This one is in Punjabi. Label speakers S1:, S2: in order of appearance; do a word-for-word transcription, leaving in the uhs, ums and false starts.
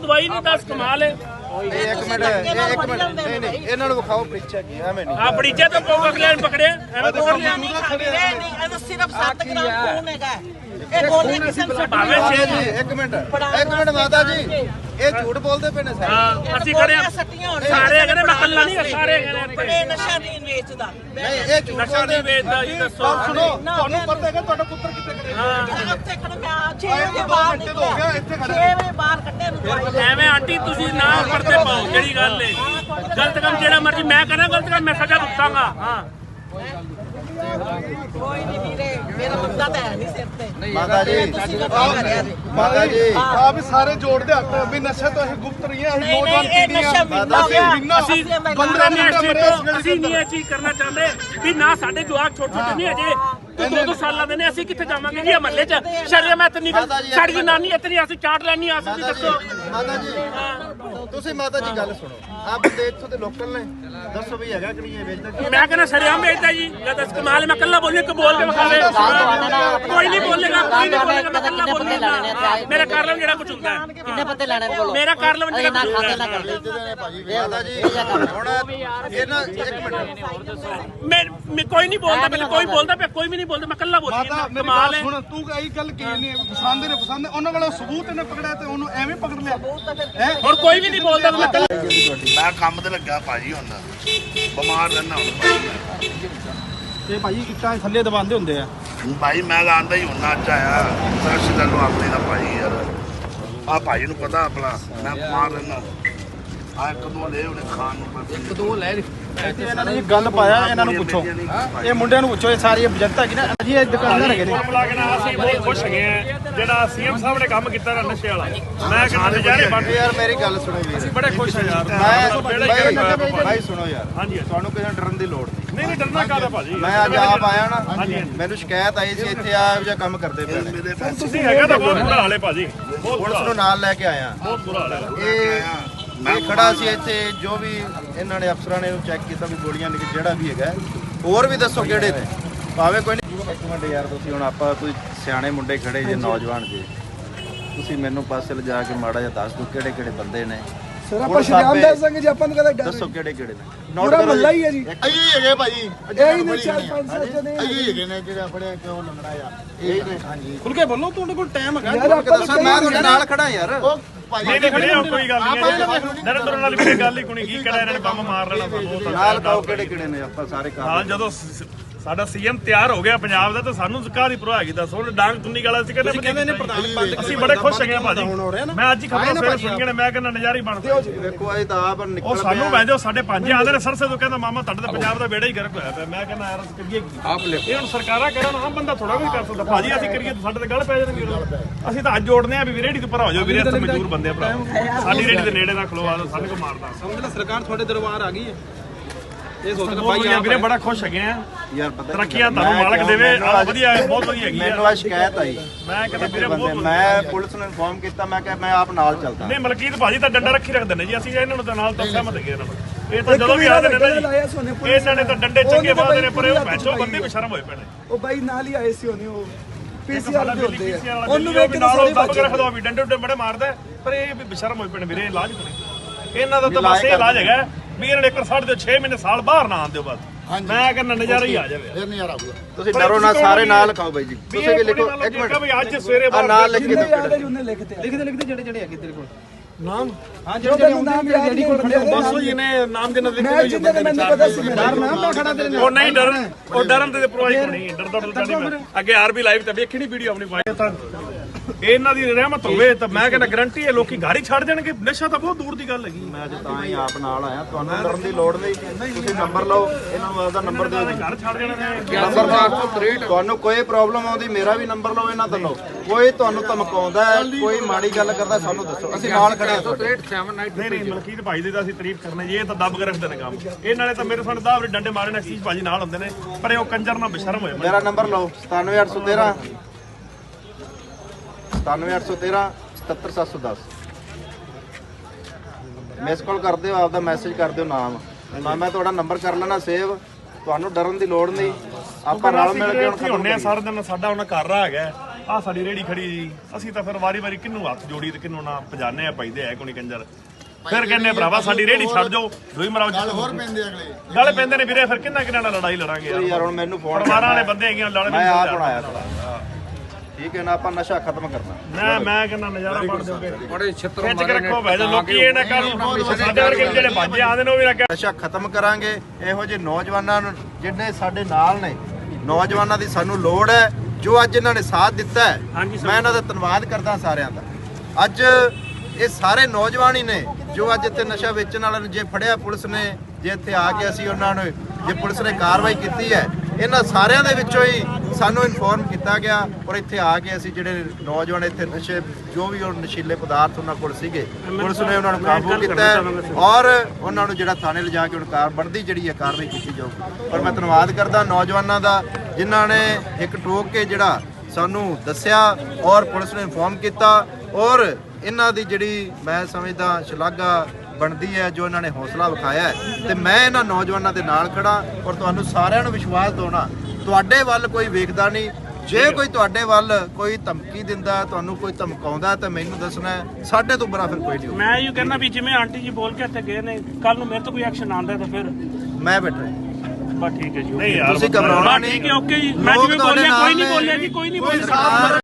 S1: ਦਵਾਈ ਨਹੀਂ ਦੱਸ ਕਮਾਲ ਹੈ।
S2: ਇੱਕ ਮਿੰਟ ਇੱਕ ਮਿੰਟ ਨਹੀਂ ਨਹੀਂ ਇਹਨਾਂ ਨੂੰ ਵਿਖਾਓ ਪਰੀਚਾ ਕੀ ਐਵੇਂ ਨਹੀਂ
S1: ਆ ਪਰੀਚਾ ਤੋਂ ਕੋਕ ਅਗਲੇ ਨੇ ਪਕੜਿਆ ਐਵੇਂ
S3: ਗੋਲੀਆਂ ਨਹੀਂ ਖਾਂਦੇ ਨਹੀਂ ਇਹ ਸਿਰਫ ਸੱਤ ਗ੍ਰਾਮ ਖੂਨ ਹੈਗਾ ਇਹ ਗੋਲੀਆਂ ਕਿਸੇ ਨੂੰ
S1: ਭਾਵੇਂ ਛੇ
S2: ਜੀ ਇੱਕ ਮਿੰਟ ਇੱਕ ਮਿੰਟ ਮਾਤਾ ਜੀ ਇਹ ਝੂਠ ਬੋਲਦੇ ਪਏ ਨੇ ਸਾਰੇ
S1: ਹਾਂ ਅਸੀਂ ਖੜੇ ਆ ਸਾਰੇ ਹੈਗੇ ਨੇ ਮੈਂ ਕੱਲਾ ਨਹੀਂ ਸਾਰੇ ਹੈਗੇ ਨੇ
S3: ਬੜੇ ਨਸ਼ਾ ਨਹੀਂ ਵੇਚਦਾ
S2: ਨਹੀਂ ਇਹ ਝੂਠ
S1: ਨਸ਼ਾ ਨਹੀਂ ਵੇਚਦਾ ਜੀ ਦੱਸੋ
S2: ਸੁਣੋ ਤੁਹਾਨੂੰ ਪਤਾ ਹੈਗਾ ਤੁਹਾਡਾ ਪੁੱਤਰ ਕਿੱਥੇ ਖੜੇ
S1: ਹਾਂ
S3: ਉੱਥੇ ਖੜੇ ਮੈਂ ਛੇ ਵਜੇ ਬਾਹਰ ਨਿਕਲਿਆ ਛੇ ਵਜੇ ਬਾਹਰ ਕੱਢਿਆ ਨੂੰ ਦਵਾਈ
S1: ਐਵੇਂ ਆਂਟੀ ਤੁਸੀਂ ਨਾ ਪਰਦੇ ਪਾਓ ਜਿਹੜੀ ਗੱਲ ਏ ਗਲਤ ਕੰਮ ਜਿਹੜਾ ਮਰਜੀ ਮੈਂ ਕਰਾਂ ਗਲਤ ਕੰਮ ਮੈਂ ਸਜ਼ਾ ਭੁਗਤਾਂਗਾ ਹਾਂ
S3: ਕੋਈ ਨਹੀਂ ਵੀਰੇ ਮੇਰਾ ਮੁੰਡਾ ਤਾਂ ਹੈ ਨਹੀਂ ਸਿਰ ਤੇ
S2: ਮਾਤਾ ਜੀ
S3: ਤੁਸੀਂ ਕਿਉਂ ਕਰਿਆ ਜੀ
S2: ਮਾਤਾ ਜੀ
S4: ਆ ਵੀ ਸਾਰੇ ਜੋੜਦੇ ਹੱਥ ਵੀ ਨਸ਼ਾ ਤੋਂ ਅਸੀਂ ਗੁਪਤ ਰਹੀਏ ਅਸੀਂ
S3: ਨਹੀਂ
S4: ਨੌਜਵਾਨ
S3: ਨਹੀਂ ਇਹ ਨਸ਼ਾ ਮਿਲਦਾ ਗਿਆ
S1: ਅਸੀਂ ਬੰਦੇ ਨੇ ਅਸੀਂ ਅਸੀਂ ਨਹੀਂ ਇਹ ਚੀਜ਼ ਕਰਨਾ ਚਾਹੁੰਦੇ ਵੀ ਨਾ ਸਾਡੇ ਜਵਾਕ ਛੋਟੇ ਛੋਟੇ ਨਹੀਂ ਅਜੇ ਤੂੰ ਦੋ ਦੋ ਸਾਲਾਂ ਦੇ ਨੇ ਅਸੀਂ ਕਿੱਥੇ ਜਾਵਾਂਗੇ ਜੀ ਮਹੱਲੇ 'ਚ ਸ਼ਰਮ ਮੈਂ ਇਤਨੀ ਸਾਡੀ ਨਾਨੀ ਇਤਨੀ ਅਸੀਂ ਚਾਟ ਲੈਣੀ ਆ ਅਸੀਂ ਦੱਸੋ
S2: ਮਾਤਾ ਜੀ ਤੁਸੀਂ ਮਾਤਾ ਜੀ ਗੱਲ ਸੁਣੋ ਆ ਬੰਦੇ ਇੱਥੋਂ ਦੇ ਲੋਕਲ ਨੇ ਦੱਸੋ ਵੀ ਹੈਗਾ ਕਿ ਨਹੀਂ ਇਹ ਵੇਚਦਾ
S1: ਮੈਂ ਕਹਿੰਦਾ ਸ਼ਰਿਆਮ ਵੇਚਦਾ ਜੀ ਜਾਂ ਦੱਸ ਕਮਾਲ ਮੈਂ ਕੱਲਾ ਬੋਲੇ ਕਿ ਬੋਲ ਕੇ ਵਿਖਾਵੇ ਕੋਈ ਨਹੀਂ ਬੋਲੇਗਾ ਕੋਈ ਨਹੀਂ ਬੋਲੇਗਾ ਮੈਂ ਕੱਲਾ ਬੋਲੂਗਾ ਮੇਰਾ ਕਾਰਲਮ ਜਿਹੜਾ ਕੁਝ ਹੁੰਦਾ ਹੈ
S5: ਕਿੰਨੇ ਪੱਤੇ ਲੈਣੇ ਨੇ ਕੋਲ
S1: ਮੇਰਾ ਕਾਰਲਮ ਜਿਹੜਾ
S5: ਨਾ
S1: ਕੁਝ
S5: ਖਾਂਦੇ
S1: ਹੁੰਦਾ
S5: ਨਾ ਕਰਦੇ
S2: ਮਾਤਾ ਜੀ ਹੁਣ ਇਹਨਾਂ ਇੱਕ ਮਿੰਟ
S1: ਮੈਂ ਮੈਂ ਕੋਈ ਨਹੀਂ ਬੋਲਦਾ ਪਹਿਲੇ ਕੋਈ ਬੋਲਦਾ ਪਿਆ ਕੋਈ ਵੀ ਨਹੀਂ ਬੋਲਦਾ ਮੈਂ ਕੱਲਾ ਬੋਲੀ
S4: ਮਾਤਾ ਮੇਰੀ
S1: ਕਮਾਲ
S4: ਗੱਲ
S1: ਹੈ
S4: ਸੁਣ ਤੂੰ ਕਹੀ ਗੱਲ ਕੀ ਨਹੀਂ ਪਸੰਦ ਨੇ ਪਸੰਦ ਉਹਨਾਂ ਕੋਲ ਸਬੂਤ ਇਹਨੇ ਪਕੜਿਆ ਤੇ ਉਹਨੂੰ ਐਵੇਂ ਪਕੜ ਲਿਆ ਹੈ
S1: ਹੁਣ ਕੋਈ ਵੀ ਨਹੀਂ ਬੋਲਦਾ ਮੈਂ ਕੱਲਾ
S6: ਮੈਂ ਕੰਮ ਤੇ ਲੱਗਾ ਭਾਜੀ ਹੁਣ ਬਿਮਾਰ ਰਹਿਣਾ ਹੁਣ ਭਾਜੀ
S4: ਤੇ ਭਾਈ ਇੱਟਾਂ ਥੱਲੇ ਦਬਾਉਂਦੇ ਹੁੰਦੇ ਆ
S6: ਮੈਂ ਭਾਈ ਮੈਂ ਆਂਦਾ ਹੀ ਹੁਣ ਅੱਜ ਆਇਆ ਸਰਸ਼ ਦਾ ਨੂੰ ਆਪਣੇ ਦਾ ਭਾਈ ਯਾਰ ਆ ਭਾਈ ਨੂੰ ਪਤਾ ਆਪਣਾ ਮੈਂ ਬਿਮਾਰ ਰਹਿਣਾ ਆ ਇੱਕ ਦੋ ਲੈ ਉਹਨੇ ਖਾਣ ਨੂੰ ਇੱਕ ਦੋ ਲੈ
S4: ਇੱਥੇ ਇਹਨਾਂ ਨੇ ਗੱਲ ਪਾਇਆ ਇਹਨਾਂ ਨੂੰ ਪੁੱਛੋ ਇਹ ਮੁੰਡਿਆਂ ਨੂੰ ਪੁੱਛੋ ਇਹ ਸਾਰੀ ਜਨਤਾ ਕੀ ਨਾ ਜੀ ਇਹ ਦੁਕਾਨਦਾਰ ਹੈਗੇ ਨੇ
S1: ਲਾ ਕੇ ਨਾ ਅਸੀਂ ਬਹੁਤ ਖੁਸ਼ ਹੈਗੇ ਆ ਜਿਹੜਾ ਸੀਐਮ ਸਾਹਿਬ ਨੇ ਕੰਮ ਕੀਤਾ ਨਾ ਨਸ਼ੇ ਵਾਲਾ ਮੈਂ ਕਹਿੰਦਾ ਨਜ਼ਾਰੇ ਬਣ
S2: ਯਾਰ ਮੇਰੀ ਗੱਲ ਸੁਣੋ ਵੀਰ
S1: ਬੜੇ ਖੁਸ਼ ਆ ਯਾਰ
S2: ਮੈਂ
S1: ਭਾਈ
S2: ਭਾਈ ਸੁਣੋ ਯਾਰ
S1: ਹਾਂਜੀ
S2: ਤੁਹਾਨੂੰ ਕਿਸੇ ਨੂੰ ਡਰਨ ਦੀ ਲੋੜ ਨਹੀਂ
S1: ਨਹੀਂ ਨਹੀਂ ਡਰਨਾ ਕਾਹਦਾ ਭਾਜੀ
S2: ਮੈਂ ਅੱਜ ਆਪ ਆਇਆ ਨਾ ਮੈਨੂੰ ਸ਼ਿਕਾਇਤ ਆਈ ਸੀ ਇੱਥੇ ਆ ਇਹੋ ਜਿਹਾ ਕੰਮ ਕਰਦੇ ਪਏ ਨੇ
S1: ਤੁਸੀਂ ਹੈਗਾ ਤਾਂ ਬਹੁਤ ਬੁਰਾ ਹਾਲ ਹੈ ਭਾਜੀ ਬਹੁਤ
S2: ਪੁਲਿਸ ਨੂੰ ਨਾਲ ਲੈ ਕੇ ਆਇਆ
S1: ਬਹੁਤ ਬੁਰਾ ਹਾਲ ਹੈ
S2: ਇਹ ਇਹ ਖੜਾ ਸੀ ਇੱਥੇ ਜੋ ਵੀ ਇਹਨਾਂ ਨੇ ਅਫਸਰਾਂ ਨੇ ਚੈੱਕ ਕੀਤਾ ਵੀ ਗੋਲੀਆਂ ਨਿਕਲ ਜਿਹੜਾ ਵੀ ਹੈਗਾ ਹੋਰ ਵੀ ਦੱਸੋ ਕਿਹੜੇ ਨੇ ਭਾਵੇਂ ਕੋਈ ਨਹੀਂ ਇੱਕ ਮਿੰਟ ਯਾਰ ਤੁਸੀਂ ਹੁਣ ਆਪਾਂ ਕੋਈ ਸਿਆਣੇ ਮੁੰਡੇ ਖੜੇ ਜੇ ਨੌਜਵਾਨ ਜੇ ਤੁਸੀਂ ਮੈਨੂੰ ਪਾਸੇ ਲਿਜਾ ਕੇ ਮਾੜਾ ਜਿਹਾ ਦੱਸ ਦਿਓ ਕਿਹੜੇ ਕਿਹੜੇ ਬੰਦੇ ਨੇ
S4: ਸਰ ਆਪਾਂ ਸ਼ਰਿਆਮ ਦੱਸ ਦਾਂਗੇ ਜੇ ਆਪਾਂ ਨੂੰ ਕਦੇ ਡਰ
S2: ਦੱਸੋ ਕਿਹੜੇ ਕਿਹੜੇ ਨੇ
S4: ਪੂਰਾ ਮੱਲਾ ਹੀ ਹੈ ਜੀ
S2: ਅਈ ਹੈਗੇ ਭਾਈ
S4: ਇਹ ਹੀ ਨੇ ਚਾਰ ਪੰਜ ਸੱਤ ਜਣੇ
S2: ਅਈ ਹੈਗੇ ਨੇ ਜਿਹੜੇ ਆਪਣੇ ਕਿਉਂ ਲੰਗੜਾ ਆ ਇਹ ਨੇ ਹਾਂਜੀ
S4: ਖੁੱਲ ਕੇ ਬੋਲੋ ਤੁਹਾਡੇ ਕੋਲ ਟਾਈਮ ਹੈਗਾ
S2: ਯਾਰ ਆਪਾਂ ਦੱਸੋ ਮੈਂ ਤੁਹਾਡੇ ਨਾਲ ਖੜਾ ਯਾਰ
S1: ਨਹੀਂ ਨਹੀਂ ਵੀਰੇ ਉਹ ਕੋਈ ਗੱਲ ਨਹੀਂ ਡਰਨ ਡਰਨ ਵਾਲੀ ਕੋਈ ਗੱਲ ਹੀ ਕੋਈ ਕੀ ਕਰਿਆ ਇਹਨਾਂ ਨੇ ਬੰਮ ਮਾਰ ਲੈਣਾ ਬਹੁਤ
S2: ਨਾਲ ਕਾਓ ਕਿਹੜੇ ਕਿਹੜੇ ਨੇ ਆਪਾਂ ਸਾਰੇ
S1: ਹਾਂ
S2: ਕਰ
S1: ਜਦੋਂ ਸਾਡਾ ਸੀਐਮ ਤਿਆਰ ਹੋ ਗਿਆ ਪੰਜਾਬ ਦਾ ਤਾਂ ਸਾਨੂੰ ਕਾਹਦੀ ਪਰਵਾਹ ਹੈਗੀ ਦੱਸੋ ਹੁਣ ਡਾਂਗ ਤੁੰਨੀ ਗਾਲਾ ਸੀ ਕਹਿੰਦੇ ਨੇ ਪ੍ਰਧਾਨ ਅਸੀਂ ਬੜੇ ਖੁਸ਼ ਹੈਗੇ ਭਾਜੀ ਮੈਂ ਅੱਜ ਹੀ ਖਬਰਾਂ ਸਵੇਰੇ ਸੁਣੀਆਂ ਨੇ ਮੈਂ ਕਹਿੰਦਾ ਨਜ਼ਾਰੀ ਬਣਦੇ
S2: ਦੇਖੋ ਇਹ ਤਾਂ ਆਪ
S1: ਉਹ
S2: ਨਿਕਲ
S1: ਸਾਨੂੰ ਭੈਂਜੋ ਸਾਡੇ ਪੰਜ ਆਂਦੇ ਨੇ ਸਰਸੇ ਤੋਂ ਕਹਿੰਦਾ ਮਾਮਾ ਤੁਹਾਡੇ ਤੇ ਪੰਜਾਬ ਦਾ ਬੇੜਾ ਹੀ ਗਰਕ ਹੋਇਆ ਪਿਆ ਮੈਂ ਕਹਿੰਦਾ ਯਾਰ ਅਸੀਂ ਕਰੀਏ ਆਪ ਲੈ ਇਹ ਹੁਣ ਸਰਕਾਰਾਂ ਕਰਨ ਆਮ ਬੰਦਾ ਥੋੜਾ ਵੀ ਕਰ ਸਕਦਾ ਭਾਜੀ ਅਸੀਂ ਕਰੀਏ ਸਾਡੇ ਤੇ ਗੱਲ ਪੈ ਜਾਣਗੇ ਅਸੀਂ ਤਾਂ ਅੱਜ ਜੋੜਨੇ ਆ ਵੀ ਰੇੜੀ ਤੋਂ ਭਰਾ ਹੋ ਜਾਓ ਵੀਰੇ ਅਸੀਂ ਮਜ਼ਦੂਰ ਬੰਦੇ ਆ ਭਰਾ ਸਾਡੀ ਰੇੜੀ ਦੇ ਨੇੜੇ ਨਾ ਖਲੋ ਆ ਸਾਡੇ ਕੋ ਮਾਰਦਾ
S4: ਸਮਝ ਲੈ ਸਰਕਾਰ ਤੁਹਾਡੇ ਦਰਬਾਰ ਆ ਗਈ ਹੈ ਇਹ ਸੋਚਦਾ
S1: ਭਾਈ ਆ ਵੀਰੇ ਬੜਾ ਖੁਸ਼ ਹੈਗੇ ਆ
S2: ਯਾਰ ਪਤਾ
S1: ਤਰੱਕੀਆਂ ਤੁਹਾਨੂੰ ਮਾਲਕ ਦੇਵੇ ਆ ਵਧੀਆ ਬਹੁਤ ਵਧੀਆ ਹੈਗੀ
S2: ਮੈਨੂੰ ਆ ਸ਼ਿਕਾਇਤ ਆਈ
S1: ਮੈਂ ਕਹਿੰਦਾ ਵੀਰੇ
S2: ਬੰਦੇ
S1: ਬਹੁਤ
S2: ਮੈਂ ਪੁਲਿਸ ਨੂੰ ਇਨਫੋਰਮ ਕੀਤਾ ਮੈਂ ਕਿਹਾ ਮੈਂ ਆਪ ਨਾਲ ਚੱਲਦਾ
S1: ਨਹੀਂ ਮਲਕੀਤ ਭਾਜੀ ਤਾਂ ਡੰਡਾ ਰੱਖੀ ਰੱਖਦੇ ਨੇ ਜੀ ਅਸੀਂ ਇਹਨਾਂ ਨੂੰ ਤਾਂ ਨਾਲ ਤਾਂ ਸਹਿਮਤ ਹੈਗੇ ਇਹਨਾਂ ਨੂੰ ਇਹ ਤਾਂ ਜਦੋਂ ਵੀ ਆਦੇ ਨੇ ਨਾ ਜੀ ਇਹਨਾਂ ਨੇ ਤਾਂ ਡੰਡੇ ਚੰਗੇ ਬਾਦੇ ਨੇ ਪਰ ਇਹ ਬੈਠੋ ਬੰਦੇ ਬੇਸ਼ਰਮ ਹੋਏ ਪਏ ਨੇ
S4: ਉਹ ਬਾਈ ਨਾਲ ਹੀ ਆਏ ਸੀ ਉਹਨੇ ਉਹ
S1: ਪੀਸੀਆਰ ਦੇ ਹੁੰਦੇ ਆ ਉਹਨੂੰ ਵੇਖ ਕੇ ਨਾਲ ਦੱਬ ਕੇ ਰੱਖਦਾ ਵੀ ਡੰਡੇ ਡੰਡੇ ਬੜੇ ਮਾਰਦਾ ਪਰ ਇਹ ਵੀ ਬੇਸ਼ਰਮ ਹੋਏ ਪਏ ਨੇ ਵੀਰੇ ਇਲਾਜ ਨਹੀਂ ਇਹਨਾਂ ਦਾ ਤਾਂ ਬਸ ਇਹ ਇਲਾਜ ਹੈਗਾ ਵੀ ਇਹਨਾਂ ਨੇ ਇੱਕ ਸਾਢੇ ਦੇ ਛੇ ਮਹੀਨੇ ਸਾਲ ਬਾਹਰ ਨਾ ਆਉਂਦੇ ਬਸ ਮੈਂ ਕਹਿੰਦਾ ਨਜ਼ਾਰਾ ਹੀ ਆ ਜਾਵੇ
S2: ਫਿਰ ਨਜ਼ਾਰਾ ਆਊਗਾ ਤੁਸੀਂ ਡਰੋ ਨਾ ਸਾਰੇ ਨਾਲ ਲਿਖਾਓ ਬਾਈ ਜੀ ਤੁਸੀਂ ਵੀ ਲਿਖੋ ਇੱਕ ਮਿੰਟ
S1: ਵੀ ਅੱਜ ਸਵੇਰੇ
S2: ਆ ਨਾਲ ਲਿਖ ਕੇ ਦਿਓ
S4: ਉਹਨੇ ਲਿਖਤੇ ਲਿਖਦੇ ਲਿਖਦੇ ਜਿਹੜੇ ਜਿਹੜੇ ਹੈਗੇ ਤੇਰੇ ਕੋਲ ਨਾਮ ਹਾਂ ਜਿਹੜੇ ਨਾਮ ਜਿਹੜੀ ਕੋਲ ਖੜੇ
S1: ਦੱਸੋ ਇਹਨੇ ਨਾਮ ਦੇ ਨਾਲ ਲਿਖ
S4: ਮੈਂ ਜਿੰਨੇ ਮੈਨੂੰ ਪਤਾ ਸੀ ਮੇਰਾ ਨਾਮ ਮੈਂ ਖੜਾ ਤੇਰੇ ਨਾਲ
S1: ਉਹ ਨਹੀਂ ਡਰਨ ਉਹ ਡਰਨ ਤੇ ਪ੍ਰਵਾਹੀ ਕੋਈ ਨਹੀਂ ਡਰਦਾ ਡਰਦਾ ਨਹੀਂ ਮੈਂ ਅੱਗੇ ਆਰਬੀ ਲਾਈਵ ਤੇ ਵੇਖੀ ਨਹੀਂ ਵੀਡੀਓ ਆਪਣੀ ਪਾਈ ਤਾਂ ਇਹਨਾਂ ਦੀ ਰਹਿਮਤ ਹੋਵੇ ਤਾਂ ਮੈਂ ਕਹਿੰਦਾ ਗਰੰਟੀ ਹੈ ਲੋਕੀ ਘਰ ਹੀ ਛੱਡ ਦੇਣਗੇ ਨਸ਼ਾ ਤਾਂ ਬਹੁਤ ਦੂਰ ਦੀ ਗੱਲ ਹੈਗੀ
S2: ਮੈਂ ਅੱਜ ਤਾਂ ਹੀ ਆਪ ਨਾਲ ਆਇਆ ਤੁਹਾਨੂੰ ਡਰਨ ਦੀ ਲੋੜ ਨਹੀਂ ਤੁਸੀਂ ਨੰਬਰ ਲਓ ਇਹਨਾਂ ਨੂੰ ਆਪਦਾ ਨੰਬਰ ਦਿਓ ਜੀ
S1: ਘਰ ਛੱਡ ਦੇਣਾ ਨੇ
S2: ਨੰਬਰ ਤੁਹਾਨੂੰ ਕੋਈ ਪ੍ਰੋਬਲਮ ਆਉਂਦੀ ਮੇਰਾ ਵੀ ਨੰਬਰ ਲਓ ਇਹਨਾਂ ਦਾ ਲਓ ਕੋਈ ਤੁਹਾਨੂੰ ਧਮਕਾਉਂਦਾ ਹੈ ਕੋਈ ਮਾੜੀ ਗੱਲ ਕਰਦਾ ਸਾਨੂੰ ਦੱਸੋ ਅਸੀਂ ਨਾਲ ਖੜੇ ਹਾਂ
S1: ਨਹੀਂ ਨਹੀਂ ਮਲਕੀਤ ਭਾਈ ਦੀ ਤਾਂ ਅਸੀਂ ਤਾਰੀਫ ਕਰਨੇ ਜੀ ਇਹ ਤਾਂ ਦੱਬ ਕੇ ਰੱਖਦੇ ਨੇ ਕੰਮ ਇਹ ਨਾਲੇ ਤਾਂ ਮੇਰੇ ਸਾਡੇ ਦਾ ਡੰਡੇ ਮਾਰੇ ਨੇ ਅਸੀਸ ਭਾਜੀ ਨਾਲ ਹੁੰਦੇ ਨੇ ਪਰ ਇਹ ਉਹ ਕੰਜਰ ਨਾਲ ਬੇਸ਼ਰਮ ਹੋਏ
S2: ਮੇਰਾ ਨੰਬਰ ਲਓ ਸਤਾਨਵੇਂ ਅੱਠ ਸੌ ਤੇਰਾਂ ਸਤਾਨਵੇਂ ਅੱਠ ਸੌ ਤੇਰਾਂ ਸਤੱਤਰ ਸੱਤ ਸੌ ਦਸ ਮਿਸ ਕਾਲ ਕਰ ਦਿਓ ਆਪਦਾ ਮੈਸੇਜ ਕਰ ਦਿਓ ਨਾਮ ਮੈਂ ਮੈਂ ਤੁਹਾਡਾ ਨੰਬਰ ਕਰ ਲੈਣਾ ਸੇਵ ਤੁਹਾਨੂੰ ਡਰਨ ਦੀ ਲੋੜ ਨਹੀਂ ਆਪਾਂ ਨਾਲ ਮਿਲ ਕੇ ਹੁਣ
S1: ਹੁੰਨੇ ਆ ਸਾਰਾ ਦਿਨ ਸਾਡਾ ਹੁਣ ਘਰ ਆ ਹੈਗਾ ਆ ਸਾਡੀ ਰੇੜੀ ਖੜੀ ਜੀ, ਅਸੀਂ ਤਾਂ ਫਿਰ ਵਾਰੀ-ਵਾਰੀ ਕਿਹਨੂੰ ਹੱਥ ਜੋੜੀ ਤੇ ਕਿਹਨੂੰ ਨਾ ਪਜਾਨੇ ਆ ਪੈਦੇ ਹੈ ਕੋਈ ਕੰਜਰ। ਫਿਰ ਕਹਿੰਦੇ ਭਰਾਵਾ ਸਾਡੀ ਰੇੜੀ ਛੱਡ ਜਾਓ, ਦੋਈ ਮਰਾਓ ਜੀ। ਹੋਰ ਪੈਂਦੇ ਅਗਲੇ ਗੱਲ ਪੈਂਦੇ ਨੇ ਵੀਰੇ, ਫਿਰ ਕਿੰਨਾ ਕਿੰਨਾ ਨਾਲ ਲੜਾਈ ਲੜਾਂਗੇ ਯਾਰ।
S2: ਯਾਰ ਹੁਣ ਮੈਨੂੰ ਫੋਨ
S1: ਪਰਿਵਾਰਾਂ ਵਾਲੇ ਬੰਦੇ ਹੈਗੇ ਲੜ
S2: ਮੈਂ ਆਪ ਬਣਾਇਆ ਠੀਕ ਹੈ ਨਾ, ਆਪਾਂ ਨਸ਼ਾ ਖਤਮ ਕਰਨਾ।
S1: ਮੈਂ ਮੈਂ ਕਹਿੰਦਾ ਨਜ਼ਾਰਾ ਬਣ ਜਾਓਗੇ ਬੜੇ ਛਿੱਤਰ ਖਿੱਚ ਕੇ ਰੱਖੋ ਭਾਈ ਲੋਕੀ ਇਹ ਨਾ ਕੱਲ ਸਾਡੇ ਵਰਗੇ ਜਿਹੜੇ ਭੱਜੇ ਆਂਦੇ ਨੇ ਉਹ ਵੀ ਨਾ
S2: ਨਸ਼ਾ ਖਤਮ ਕਰਾਂਗੇ। ਇਹੋ ਜਿਹੇ ਨੌਜਵਾਨਾਂ ਨੂੰ ਜਿਹੜੇ ਸਾਡੇ ਨਾਲ ਨੇ, ਨੌਜਵਾਨਾਂ ਦੀ ਸਾਨੂੰ ਲੋੜ ਹੈ, ਜੋ ਅੱਜ ਇਹਨਾਂ ਨੇ ਸਾਥ ਦਿੱਤਾ ਹੈ। ਮੈਂ ਇਹਨਾਂ ਦਾ ਧੰਨਵਾਦ ਕਰਦਾ ਸਾਰਿਆਂ ਦਾ। ਅੱਜ ਇਹ ਸਾਰੇ ਨੌਜਵਾਨ ਹੀ ਨੇ ਜੋ ਅੱਜ ਇੱਥੇ ਨਸ਼ਾ ਵੇਚਣ ਵਾਲਿਆਂ ਨੂੰ ਜੇ ਫੜਿਆ ਪੁਲਿਸ ਨੇ, ਜੇ ਇੱਥੇ ਆ ਕੇ ਅਸੀਂ ਉਹਨਾਂ ਨੂੰ ਜੇ ਪੁਲਿਸ ਨੇ ਕਾਰਵਾਈ ਕੀਤੀ ਹੈ, ਇਹਨਾਂ ਸਾਰਿਆਂ ਦੇ ਵਿੱਚੋਂ ਹੀ ਸਾਨੂੰ ਇਨਫੋਰਮ ਕੀਤਾ ਗਿਆ ਔਰ ਇੱਥੇ ਆ ਕੇ ਅਸੀਂ ਜਿਹੜੇ ਨੌਜਵਾਨ ਇੱਥੇ ਨਸ਼ੇ ਜੋ ਵੀ ਉਹ ਨਸ਼ੀਲੇ ਪਦਾਰਥ ਉਹਨਾਂ ਕੋਲ ਸੀਗੇ, ਪੁਲਿਸ ਨੇ ਉਹਨਾਂ ਨੂੰ ਕਾਬੂ ਕੀਤਾ ਔਰ ਉਹਨਾਂ ਨੂੰ ਜਿਹੜਾ ਥਾਣੇ ਲਿਜਾ ਕੇ ਹੁਣ ਕਾਰ ਬਣਦੀ ਜਿਹੜੀ ਹੈ ਕਾਰਵਾਈ ਕੀਤੀ ਜਾਊਗੀ। ਪਰ ਮੈਂ ਧੰਨਵਾਦ ਕਰਦਾ ਨੌਜਵਾਨਾਂ ਦਾ ਜਿਨ੍ਹਾਂ ਨੇ ਇੱਕ ਟੋਕ ਕੇ ਜਿਹੜਾ ਸਾਨੂੰ ਦੱਸਿਆ ਔਰ ਪੁਲਿਸ ਨੇ ਇਨਫੋਰਮ ਕੀਤਾ ਔਰ ਇਹਨਾਂ ਦੀ ਜਿਹੜੀ ਮੈਂ ਸਮਝਦਾ ਸ਼ਲਾਘਾ ਬਣਦੀ ਹੈ ਜੋ ਇਹਨਾਂ ਨੇ ਹੌਸਲਾ ਵਿਖਾਇਆ ਹੈ। ਤੇ ਮੈਂ ਇਹਨਾਂ ਨੌਜਵਾਨਾਂ ਦੇ ਨਾਲ ਖੜਾ ਔਰ ਤੁਹਾਨੂੰ ਸਾਰਿਆਂ ਨੂੰ ਵਿਸ਼ਵਾਸ ਦਿਵਾਉਣਾ, ਤੁਹਾਡੇ ਵੱਲ ਕੋਈ ਵੇਖਦਾ ਨਹੀਂ। ਜੇ ਕੋਈ ਤੁਹਾਡੇ ਵੱਲ ਕੋਈ ਧਮਕੀ ਦਿੰਦਾ, ਤੁਹਾਨੂੰ ਕੋਈ ਧਮਕਾਉਂਦਾ ਤਾਂ ਮੈਨੂੰ ਦੱਸਣਾ, ਸਾਡੇ ਤੋਂ ਬੁਰਾ ਫਿਰ ਕੋਈ ਨਹੀਂ।
S5: ਮੈਂ ਇਹ ਕਹਿੰਦਾ ਵੀ ਜਿਵੇਂ ਆਂਟੀ ਜੀ ਬੋਲ ਕੇ ਇੱਥੇ ਗਏ ਨੇ, ਕੱਲ ਨੂੰ ਮੇਰੇ ਤੋਂ ਕੋਈ ਐਕਸ਼ਨ ਆਉਂਦਾ ਤਾਂ ਫਿਰ
S2: ਮੈਂ ਬੈਠਾ
S5: ਬਸ ਠੀਕ ਹੈ ਜੀ।
S1: ਨਹੀਂ ਯਾਰ
S2: ਤੁਸੀਂ ਘਬਰਾਉਣਾ ਨਹੀਂ।
S5: ਠੀਕ ਹੈ ਓਕੇ ਜੀ। ਮੈਂ ਜਿਵੇਂ ਬੋਲਿਆ ਕੋਈ ਨਹੀਂ ਬੋਲਿਆ ਜੀ, ਕੋਈ ਨਹੀਂ ਬੋਲਿਆ।